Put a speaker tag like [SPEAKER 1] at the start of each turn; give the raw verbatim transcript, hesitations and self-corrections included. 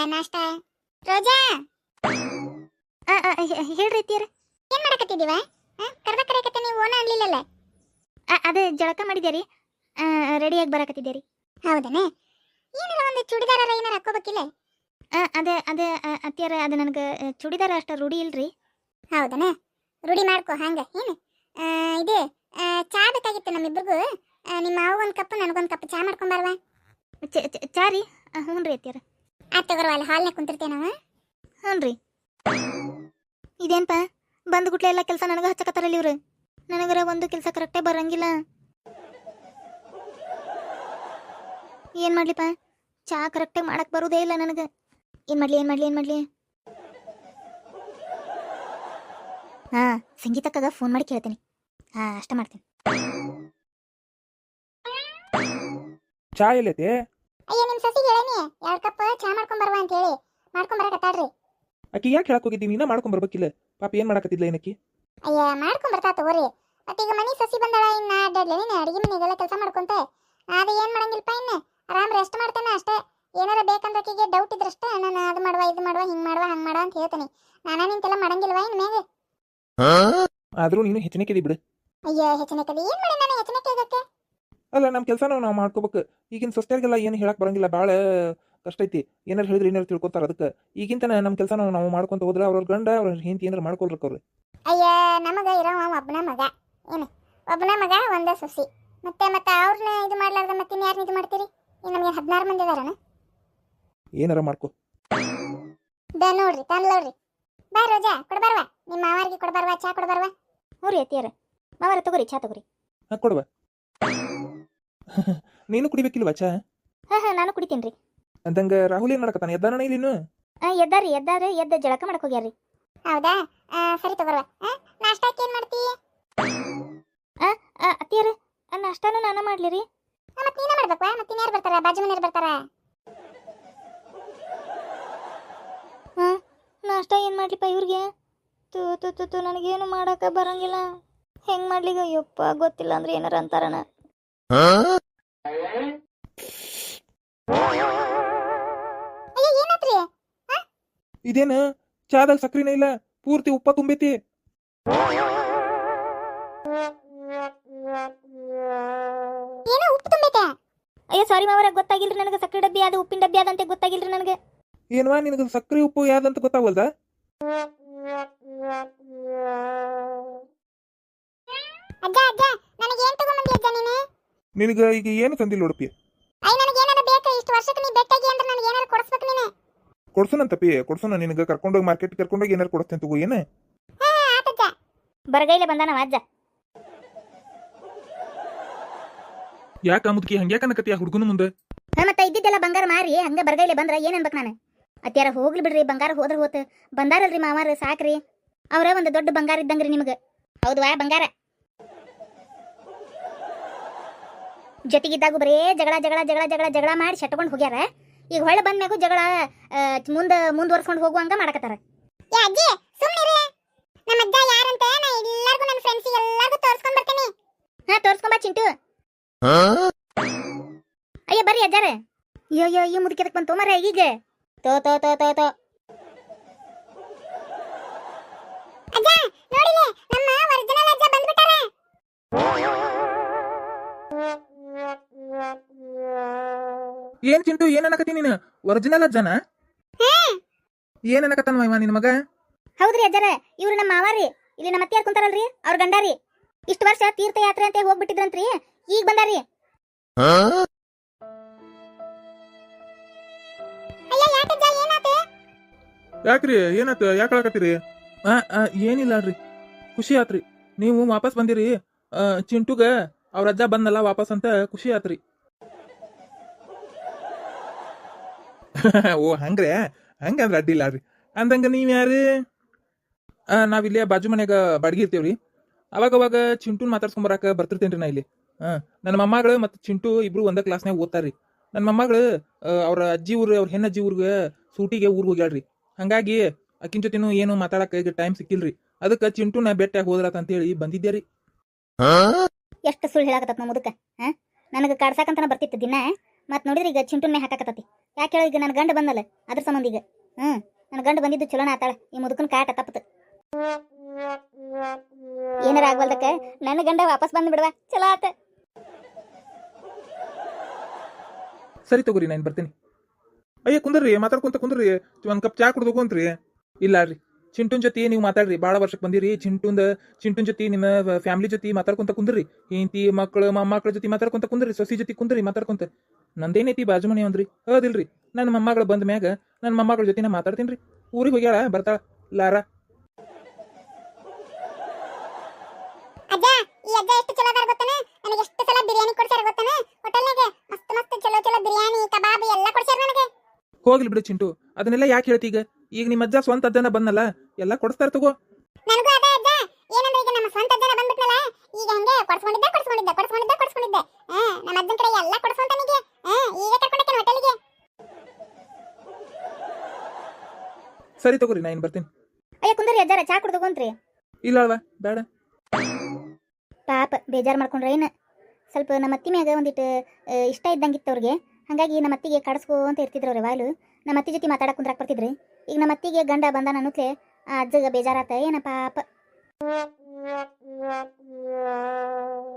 [SPEAKER 1] ನಾಷ್ಟ. ರೋಜಾ
[SPEAKER 2] ಆ ಆ, ಹೇ- ಹೇಳ್ರಿ ಅತ್ತಿಯರ.
[SPEAKER 1] ಏನ್ ಮಾಡಕತ್ತಿದೀವ? ಕರ್ದ ಕರೆಯಕತ್ತೆ ನೀವು ಓನ ಅನ್ಲಿಲ್ಲಲ್ಲ.
[SPEAKER 2] ಅದೇ ಜಳಕ ಮಾಡಿದ್ಯಾರಿ, ರೆಡಿಯಾಗಿ ಬರಾಕತ್ತಿದ್ದೀರಿ.
[SPEAKER 1] ಹೌದನ? ಏನಾರ ಒಂದು ಚೂಡಿದಾರ ಏನಾರ ಹಾಕೋಬೇಕಿಲ್ಲ?
[SPEAKER 2] ಅದೇ ಅದೇ ಅತ್ತಿಯರ, ಅದು ನನಗೆ ಚೂಡಿದಾರ ಅಷ್ಟ ರೂಢಿ ಇಲ್ರಿ.
[SPEAKER 1] ಹೌದನ? ರೂಢಿ ಮಾಡ್ಕೊ ಹಂಗ. ಏನು ಆ, ಇದು ಆ, ಚಾ ಬೇಕಾಗಿತ್ತು ನಮ್ಮಿಬ್ರಿಗೂ. ಆ, ನಿಮ್ಮ ಮಾವು ಒಂದು ಕಪ್ ನನಗೊಂದು ಕಪ್ ಚಾ ಮಾಡ್ಕೊಂಬರ್ವಾ?
[SPEAKER 2] ಚ- ಚ- ಚಾ ರೀ? ಹ್ಞೂ ರೀ ಅತ್ತಿಯರ.
[SPEAKER 1] ಆತ್ ತಗೋರ್ವ, ಅಲ್ಲಿ ಹಾಲ್ನಾಗ ಕುಂತಿರ್ತೇವೆ ನಾವು.
[SPEAKER 2] ಹ್ಞೂ ರೀ. ಇದೇನ್ಪ ಬಂದು ಗುಟ್ಲೆ ಎಲ್ಲ ಕೆಲಸ ನನಗೆ ಹಚ್ಚಕತ್ತಾರಲ್ಲ ಇವ್ರು. ನನಗರ ಒಂದು ಕೆಲಸ ಕರೆಕ್ಟೇ ಬರಂಗಿಲ್ಲ. ಏನು ಮಾಡ್ಲಿಪ್ಪ, ಚಾ ಕರೆಕ್ಟಾಗಿ ಮಾಡಕ್ಕೆ ಬರೋದೇ ಇಲ್ಲ ನನಗೆ. ಏನು ಮಾಡಲಿ ಏನು ಮಾಡಲಿ ಏನು ಮಾಡಲಿ ಹಾಂ, ಸಂಗೀತಕ್ಕಾಗ ಫೋನ್ ಮಾಡಿ ಕೇಳ್ತೀನಿ. ಹಾಂ, ಅಷ್ಟ ಮಾಡ್ತೀನಿ.
[SPEAKER 3] ಚಾ ಎಲ್ಲೈತೆ?
[SPEAKER 1] ಅಯ್ಯ, ನಿಮ್ಮ ಸಸಿಗೆ ಹೇಳೇನಿ ಎರಡು ಕಪ್ ಚಾ ಮಾಡ್ಕೊಂಬರ್ವಾ ಅಂತ ಹೇಳಿ. ಮಾಡ್ಕೊಂಬರಕತ್ತಾಳ್ರಿ.
[SPEAKER 3] ಆಕಿ ಯಾಕೆ ಹೇಳಕ್ ಹೋಗಿದ್ದೀನಿ? ನೀನ ಮಾಡ್ಕೊಂಡ್ ಬರ್ಬೇಕಿಲ್ಲ. ಪಾಪ ಏನ್ ಮಾಡಕತ್ತಿದ್ಲ ಏನಕ್ಕಿ?
[SPEAKER 1] ಅಯ್ಯ, ಮಾಡ್ಕೊಂಬರ್ತಾ ತಗೋರಿ. ಮತ್ತೀಗ ಮನಿ ಸಸಿ ಬಂದಾಳ, ಇನ್ನ ಅಡ್ಡಾಡ್ಲಿ ನೀನು ಅಡಿಗೆ ಮನೆಗೆಲ್ಲ ಕೆಲಸ ಮಾಡ್ಕೊಂತ. ಅದು ಏನು ಮಾಡಂಗಿಲ್ಲಪ್ಪ, ಇನ್ನು ಆರಾಮ್ ರೆಸ್ಟ್ ಮಾಡ್ತೇನೆ ಅಷ್ಟೇ. ಏನಾರ ಬೇಕಂದ್ರೆ ಆಕಿಗೆ ಡೌಟ್ ಇದ್ರಷ್ಟೇ ನಾನು ಅದು ಮಾಡುವ ಇದು ಮಾಡುವ ಹಿಂಗೆ ಮಾಡುವ ಹಂಗೆ ಮಾಡುವ ಅಂತ ಹೇಳ್ತೀನಿ. ನಾನ ನಿಂತೆಲ್ಲ ಮಾಡಂಗಿಲ್ವಾ ಇನ್ನು ಮ್ಯಾಗೆ?
[SPEAKER 3] ಆದ್ರೂ ನೀನು ಹೆಚ್ಚಿನಕ್ಕಿದಿ ಬಿಡು.
[SPEAKER 1] ಅಯ್ಯ, ಹೆಚ್ಚಿನ ಕದಿ ಏನು ಮಾಡಿ ನಾನು ಹೆಚ್ಚಿನ ಕೇಳಕ್ಕೆ?
[SPEAKER 3] ಅಲ್ಲ, ನಮ್ಮ ಕೆಲಸ ನಾವು ಮಾಡ್ಕೋಬೇಕು. ಈಗಿನ ಸೊಸ್ತೆರಿಗೆಲ್ಲ ಏನು ಹೇಳಕ್ ಬರಂಗಿಲ್ಲ, ಭಾಳ ಕಷ್ಟ ಐತಿ. ಏನಾರು ಹೇಳಿದ್ರೆ ಏನಾರು ತಿಳ್ಕೊತಾರ. ಅದಕ್ಕೆ ಈಗಿಂತ ನಮ್ಮ ಕೆಲಸ ನಾವು ಮಾಡ್ಕೊಂತ ಹೋದ್ರೆ ಅವ್ರ ಗಂಡ ಅವ್ರ ಹೆಂಡತಿ ಏನಾರು ಮಾಡ್ಕೊಳ್ರಕ್ಕ ಅವ್ರು.
[SPEAKER 1] ಅಯ್ಯ, ನಮಗ ಇರೋ ಒಬ್ಬನ ಮಗ. ಏನು ಒಬ್ಬನ ಮಗ ಒಂದೇ ಸೊಸಿ. ಮತ್ತೆ ಮತ್ತೆ ಅವ್ರನ್ನ ಇದು ಮಾಡ್ಲಾರ್ದ ಮತ್ತೆ ಇನ್ಯಾರನ್ನ ಇದು ಮಾಡ್ತೀರಿ? ಇನ್ನು ನಮಗೆ ಹದಿನಾರು ಮಂದಿ ಅದಾರನ?
[SPEAKER 3] ಏನಾರ ಮಾಡ್ಕೊ.
[SPEAKER 1] ದ ನೋಡ್ರಿ ತಂದ್ಲವ್ರಿ. ಬಾ ರೋಜಾ, ಕೊಡ್ಬಾರ್ವಾ ನಿಮ್ಮ ಮಾವಾರಿಗೆ? ಕೊಡ್ಬಾರ್ವಾ ಚಾ ಕೊಡ್ಬಾರ್ವಾ?
[SPEAKER 2] ಹ್ಞೂ ರೀ ಅತ್ತಿಯರ. ಮಾವರ ತಗೋರಿ, ಚಾ ತಗೋರಿ.
[SPEAKER 3] ಹಾಂ, ಕೊಡುವ. ನೀನು ಕುಡಿಬೇಕಿಲ್ವಾ ಚಾ?
[SPEAKER 2] ಹಾಂ ಹಾಂ, ನಾನು ಕುಡಿತೀನಿ ರೀ.
[SPEAKER 3] ಅಂದಂಗ ರಾಹುಲ್ ಏನ್ ಮಾಡಕತ್ತಾನ? ಎದ್ದಾನ ಇಲ್ಲಿ ಇನ್ನು?
[SPEAKER 2] ಹಾಂ, ಎದ್ದಾರಿ ಎದ್ದಾರ, ಎದ್ದ ಜಳಕ ಮಾಡಕ್ಕೆ ಹೋಗ್ಯಾರ್ರಿ.
[SPEAKER 1] ಹೌದಾ? ಆ, ಸರಿ ತಗೋರ್ವಾ. ನಾಷ್ಟಕ್ಕೆ ಏನು ಮಾಡ್ತಿ?
[SPEAKER 2] ಅತ್ತಿಯರ, ನಾಷ್ಟಾನು ನಾನು ಮಾಡ್ಲಿ ರೀ?
[SPEAKER 1] ಮತ್ತೆ ನೀನೇ ಮಾಡ್ಬೇಕವಾ? ಮತ್ತೆ ಇನ್ಯಾರು ಬರ್ತಾರ? ಬಾಜು ಮನೆಯವ್ರು ಬರ್ತಾರ.
[SPEAKER 2] ಹಾಂ, ನಾಷ್ಟ ಏನು ಮಾಡ್ಲಿಪ್ಪ ಇವ್ರಿಗೆ? ತು ತು ತು ತು ನನಗೇನು ಮಾಡಕ್ಕೆ ಬರಂಗಿಲ್ಲ. ಹೆಂಗೆ ಮಾಡ್ಲಿಗ? ಅಯ್ಯಪ್ಪ, ಗೊತ್ತಿಲ್ಲ ಅಂದ್ರೆ ಏನಾರ ಅಂತಾರಣ.
[SPEAKER 1] ಅಯ್ಯ, ಏನಾತ್ರಿ?
[SPEAKER 3] ಇದೇನು ಚಾದಾಗ ಸಕ್ರಿನೇ ಇಲ್ಲ, ಪೂರ್ತಿ ಉಪ್ಪ ತುಂಬೈತಿ.
[SPEAKER 1] ಏನೋ ಉಪ್ಪು ತುಂಬೈತೆ.
[SPEAKER 2] ಅಯ್ಯೋ ಸಾರಿ ಮಾವರ, ಗೊತ್ತಾಗಿಲ್ರಿ ನನಗೆ. ಸಕ್ಕರೆ ಡಬ್ಬಿ ಅದು ಉಪ್ಪಿನ ಡಬ್ಬಿ ಅದಂತೆ ಗೊತ್ತಾಗಿಲ್ರಿ ನನಗೆ.
[SPEAKER 3] ಏನ್ವಾ ನಿನಗೆ ಸಕ್ರಿ ಉಪ್ಪು ಯಾವ್ದಂತ ಗೊತ್ತಾಗಲ್ದ?
[SPEAKER 1] ಅಜ್ಜ ಅಜ್ಜ, ನನಗೆ ಏನು ತಗೊಂಬಂದಿ ಅಜ್ಜ ನೀನು?
[SPEAKER 3] ನಿನಗ ಈಗ ಏನು ತಂದಿಲ್ಲ ಉಡುಪಿ?
[SPEAKER 1] ಅಯ್ಯ, ನನಗೆ ಏನಾರ ಬೇಕು. ಇಷ್ಟು ವರ್ಷಕ್ಕೆ ನೀ ಬೆಟ್ಟಾಗಿ ಅಂದ್ರೆ ನನಗೆ ಏನಾರ ಕೊಡಿಸ್ಬೇಕು ನೀನು.
[SPEAKER 3] ಕೊಡ್ಸೋನಂತಪ್ಪಿ, ಕೊಡ್ಸೋಣ. ನಿನಗೆ ಕರ್ಕೊಂಡೋಗಿ ಮಾರ್ಕೆಟ್ ಕರ್ಕೊಂಡೋಗಿ ಏನಾರು ಕೊಡಿಸ್ತೇನೆ ತಗೋ. ಏನು
[SPEAKER 1] ಹಾ, ಆತಜ್ಜ.
[SPEAKER 2] ಬರಗೈಲೆ ಬಂದಾನವ ಅಜ್ಜ.
[SPEAKER 3] ಯಾಕೆ ಮುದುಕಿ ಹಂಗ್ಯಾಕ ಅನ್ನಕತ್ತಿ ಆ ಹುಡುಗನ ಮುಂದೆ?
[SPEAKER 2] ಹಾಂ, ಮತ್ತೆ ಇದ್ದಿದ್ದೆಲ್ಲ ಬಂಗಾರ ಮಾರಿ ಹಂಗೆ ಬರಗೈಲೆ ಬಂದ್ರೆ ಏನು ಅನ್ಬೇಕು ನಾನು? ಅತ್ಯಾರ ಹೋಗ್ಲಿ ಬಿಡ್ರಿ, ಬಂಗಾರ ಹೋದ್ರೆ ಹೋತು. ಬಂದಾರಲ್ರಿ ಮಾವಾರ, ಸಾಕ್ರಿ. ಅವರ ಒಂದು ದೊಡ್ಡ ಬಂಗಾರ ಇದ್ದಂಗ್ರಿ ನಿಮಗೆ. ಹೌದವಾ? ಬಂಗಾರ ಜೊತೆಗಿದ್ದಾಗೂ ಬರೇ ಜಗಳ ಜಗಳ ಜಗಳ ಜಗಳ ಜಗಳ ಮಾಡಿ ಶಟ್ಕೊಂಡು ಹೋಗ್ಯಾರ. ಈಗ ಹೊಳೆ ಬಂದ್ಮ್ಯಾಗೂ ಜಗಳ ಮುಂದೆ ಮುಂದುವರ್ಸ್ಕೊಂಡು ಹೋಗುವಂಗ ಮಾಡಕತ್ತಾರ.
[SPEAKER 1] ಏ ಅಜ್ಜಿ, ಸುಮ್ಮನಿರಿ. ನಮ್ಮ ಅಜ್ಜ ಯಾರಂತ ನಾ ಎಲ್ಲರಿಗೂ ನನ್ನ ಫ್ರೆಂಡ್ಸಿಗೆ ಎಲ್ಲರಿಗೂ ತೋರಿಸ್ಕೊಂಡು ಬರ್ತೀನಿ.
[SPEAKER 2] ಹಾಂ, ತೋರ್ಸ್ಕೊಂಬ ಚಿಂಟು. ಅಯ್ಯ ಬರ್ರಿ ಅಜ್ಜಾರ. ಅಯ್ಯೋ ಅಯ್ಯೋ ಈ ಮುದುಕಿದಕ್ಕೆ ಬಂತು ಮರ ಈಗ. ತೋ ತೋ ತೋ ತೋ ತೋ
[SPEAKER 1] ಅಜ್ಜ ನೋಡಿಲೆ, ನಮ್ಮ ಒರಿಜಿನಲ್ ಅಜ್ಜ ಬಂದ್ಬಿಟ್ಟಾರೆ.
[SPEAKER 3] ಏನ್ ಚಿಂಟು, ಏನ್ ಅನ್ನಕತ್ತಿ ನೀನು? ಒರಿಜಿನಲ್ ಅಜ್ಜನ? ಏನ್ ಅನ್ನಕತ್ತಾನ ಇವ ನಿನ್ ಮಗ?
[SPEAKER 2] ಹೌದ್ರಿ ಅಜ್ಜಾರ, ಇವ್ರು ನಮ್ಮ ಮಾವಾರಿ. ಇಲ್ಲಿ ನಮ್ಮ ಅತ್ತಿಯಾರ್ ಕುಂತಾರಲ್ರಿ, ಅವ್ರ ಗಂಡಾರಿ. ಇಷ್ಟು ವರ್ಷ ತೀರ್ಥಯಾತ್ರೆ ಅಂತ ಹೋಗ್ಬಿಟ್ಟಿದ್ರಂತ್ರಿ, ಈಗ ಬಂದಾರಿ.
[SPEAKER 1] ಅಯ್ಯ, ಯಾಕಜ್ಜ ಏನಾತ?
[SPEAKER 3] ಯಾಕ್ರಿ ಏನಾತ? ಯಾಕೆ ಹೇಳಕತ್ತೀರಿ? ಏನಿಲ್ಲ ಅಲ್ರಿ, ಖುಷಿ ಆತ್ರಿ ನೀವು ವಾಪಸ್ ಬಂದಿರಿ. ಚಿಂಟುಗ ಅವ್ರ ಅಜ್ಜ ಬಂದಲ್ಲ ವಾಪಸ್ ಅಂತ ಖುಷಿ ಆತ್ರಿ. ಓ ಹಂಗ್ರೆ, ಹಂಗಂದ್ರೆ ಅಡ್ಡಿಲ್ಲ ರೀ. ಅಂದಂಗ ನೀವ್ ಯಾರು? ನಾವಿಲ್ಲೇ ಬಾಜು ಮನ್ಯಾಗ ಬಾಡಿಗೆ ಇರ್ತೀವ್ರಿ. ಅವಾಗ ಅವಾಗ ಚಿಂಟುನ್ ಮಾತಾಡ್ಸ್ಕೊಂಬರಾಕ ಬರ್ತಿರ್ತೇನ್ರಿ ನಾ ಇಲ್ಲಿ. ಹಾ, ನನ್ನ ಮೊಮ್ಮಗಳು ಮತ್ತು ಚಿಂಟು ಇಬ್ರು ಒಂದೇ ಕ್ಲಾಸ್ನಾಗ ಓದ್ತಾರ್ರಿ. ನನ್ನ ಮೊಮ್ಮಗಳು ಅವ್ರ ಅಜ್ಜಿ ಊರು, ಅವ್ರ ಹೆಣ್ಣಜ್ಜಿ ಊರ್ಗೆ ಸೂಟಿಗೆ ಊರ್ಗೆ ಹೋಗ್ಯಾಳ್ರಿ. ಹಂಗಾಗಿ ಅಕ್ಕಿನ ಜೊತೆನೂ ಏನು ಮಾತಾಡಕ ಈಗ ಟೈಮ್ ಸಿಕ್ಕಿಲ್ರಿ. ಅದಕ್ಕೆ ಚಿಂಟುನ ಬೆಟ್ಟಾಗ ಹೋದ್ರಾತ ಅಂತೇಳಿ ಬಂದಿದ್ದೆ ರೀ.
[SPEAKER 2] ಎಷ್ಟು ಸುಳ್ಳು ಹೇಳಾಕತ್ತ ನಮ್ಮ ಮುದುಕ. ಹಾ, ನನಗೆ ಕಾಡ್ಸಾಕಂತನ ಬರ್ತಿತ್ತು ದಿನ. ಮತ್ ನೋಡಿದ್ರೆ ಈಗ ಚಿಂಟುನ್ನೇ ಹಾಕಾಕತ್ತತಿ. ಯಾಕೆ ಹೇಳ ಈಗ ನನ್ನ ಗಂಡ ಬಂದಲ್ಲ ಅದ್ರ ಸಂಬಂಧ ಈಗ ಹ್ಮ್ ನನ್ನ ಗಂಡ ಬಂದಿದ್ದು ಚಲೋನ ಆತಾಳ ಈ ಮುದುಕನ ಕಾಟ ತಪ್ಪತು ಏನಾರ ಆಗ್ವಲ್ದಕ್ಕ ನನ್ನ ಗಂಡ ವಾಪಸ್ ಬಂದು ಬಿಡುವ ಚಲೋ ಆತ
[SPEAKER 3] ಸರಿ ತಗೋರಿ ನಾನು ಬರ್ತೀನಿ. ಅಯ್ಯ ಕುಂದ್ರಿ ಮಾತಾಡ್ಕೊಂತ ಕುಂದ್ರಿ ಒಂದ್ ಕಪ್ ಚಾ ಕುಡ್ದು ಹೋಗುವಂತ್ರಿ. ಇಲ್ಲ ರೀ ಚಿಂಟುನ್ ಜೊತೆ ನೀವು ಮಾತಾಡ್ರಿ, ಭಾಳ ವರ್ಷಕ್ಕೆ ಬಂದಿರಿ. ಚಿಂಟುಂದ ಚಿಂಟುನ್ ಜೊತೆ ನಿಮ್ಮ ಫ್ಯಾಮಿಲಿ ಜೊತೆ ಮಾತಾಡ್ಕೊಂತ ಕುಂದ್ರಿ. ಹೆಂಡತಿ ಮಕ್ಕಳು ಮೊಮ್ಮಕ್ಕಳ ಜೊತೆ ಮಾತಾಡ್ಕೊಂತ ಕುಂದ್ರಿ, ಸೊಸಿ ಜೊತೆ ಕುಂದ್ರಿ ಮಾತಾಡ್ಕೊಂತ. ನಂದೇನೈತಿ ಬಾಜು ಮನೆ ಅಂದ್ರಿ ಹೌದಿಲ್ರಿ. ನನ್ನ ಮೊಮ್ಮಗಳು ಬಂದ ಮ್ಯಾಗ ನನ್ನ ಮೊಮ್ಮಗಳ ಜೊತೆ ನಾ ಮಾತಾಡ್ತೀನಿ ರೀ. ಊರಿಗೆ ಹೋಗ್ಯಾಳ ಬರ್ತಾಳ ಲಾರ.
[SPEAKER 1] ಅಜ್ಜ ಈ ಅಜ್ಜ ಎಷ್ಟು ಚಲೋ ಅದಾರ ಗೊತ್ತನ, ನನಗೆ ಎಷ್ಟು ಸಲ ಬಿರಿಯಾನಿ ಕೊಡ್ಸ್ಯಾರ ಗೊತ್ತನ. ಹೋಟೆಲ್ನಾಗ ಮಸ್ತ್ ಮಸ್ತ್ ಚಲೋ ಚಲೋ ಬಿರಿಯಾನಿ ಕಬಾಬ್ ಎಲ್ಲ ಕೊಡ್ಸ್ಯಾರ ನನಗೆ.
[SPEAKER 3] ಹೋಗ್ಲಿ ಬಿಡು ಚಿಂಟು, ಅದನ್ನೆಲ್ಲ ಯಾಕೆ ಹೇಳ್ತಿ ಈಗ? ಈಗ ನಿಮ್ಮ ಅಜ್ಜ ಸ್ವಂತ ಅಜ್ಜನ ಬಂದಲ್ಲ, ಎಲ್ಲ ಕೊಡಿಸ್ತಾರ ತಗೋ.
[SPEAKER 1] ನನಗೂ ಅದ ಅಜ್ಜ, ಏನಂದ್ರೆ ಈಗ ನಮ್ಮ ಸ್ವಂತ ಅಜ್ಜನ ಬಂದ್ಬಿಟ್ನಲ್ಲ, ಈಗ ಹಂಗೆ ಕೊಡ್ಸ್ಕೊಂಡಿದ್ದೆ ಕೊಡ್ಸ್ಕೊಂಡಿದ್ದೆ ಕೊಡ್ಸ್ಕೊಂಡಿದ್ದೆ ಕೊಡ್ಸ್ಕೊಂಡಿದ್ದೆ ಹಾ ನಮ್ಮ ಅಜ್ಜನ ಕಡೆ ಎಲ್ಲ ಕೊಡ್ಸ್ಕೊಂತಾನಿಗೆ. ಹಾ ಈಗ ಕರ್ಕೊಂಡಕ್ಕೆ ಹೋಟೆಲ್ಗೆ.
[SPEAKER 3] ಸರಿ ತಗೋರಿ ನಾ ಇನ್ ಬರ್ತೀನಿ.
[SPEAKER 2] ಅಯ್ಯ ಕುಂದ್ರಿ ಅಜ್ಜಾರ ಚಾ ಕುಡ್ದು ಹೋಗಂತ್ರಿ.
[SPEAKER 3] ಇಲ್ಲ ಅಲ್ವಾ ಬೇಡ.
[SPEAKER 2] ಪಾಪ ಬೇಜಾರು ಮಾಡ್ಕೊಂಡ್ರೆ ಏನು, ಸ್ವಲ್ಪ ನಮ್ಮ ಅತ್ತಿ ಮ್ಯಾಗ ಒಂದಿಟ್ಟು ಇಷ್ಟ ಇದ್ದಂಗಿತ್ತು ಅವ್ರಿಗೆ. ಹಾಗಾಗಿ ನಮ್ಮ ಅತ್ತಿಗೆ ಕಡಿಸ್ಕೋ ಅಂತ ಇರ್ತಿದ್ರು ಅವ್ರೆ ವಾಯ್ಲು. ನಮ್ಮ ಅತ್ತಿ ಜೊತೆ ಮಾತಾಡಕ್ಕೆ ಕುಂದ್ರಾಕ್ ಬರ್ತಿದ್ರಿ. ಈಗ ನಮ್ಮ ಅತ್ತಿಗೆ ಗಂಡ ಬಂದ ಅನ್ನತ್ಲೆ ಆ ಅಜ್ಜಗ ಬೇಜಾರಾತ ಏನ ಪಾಪ.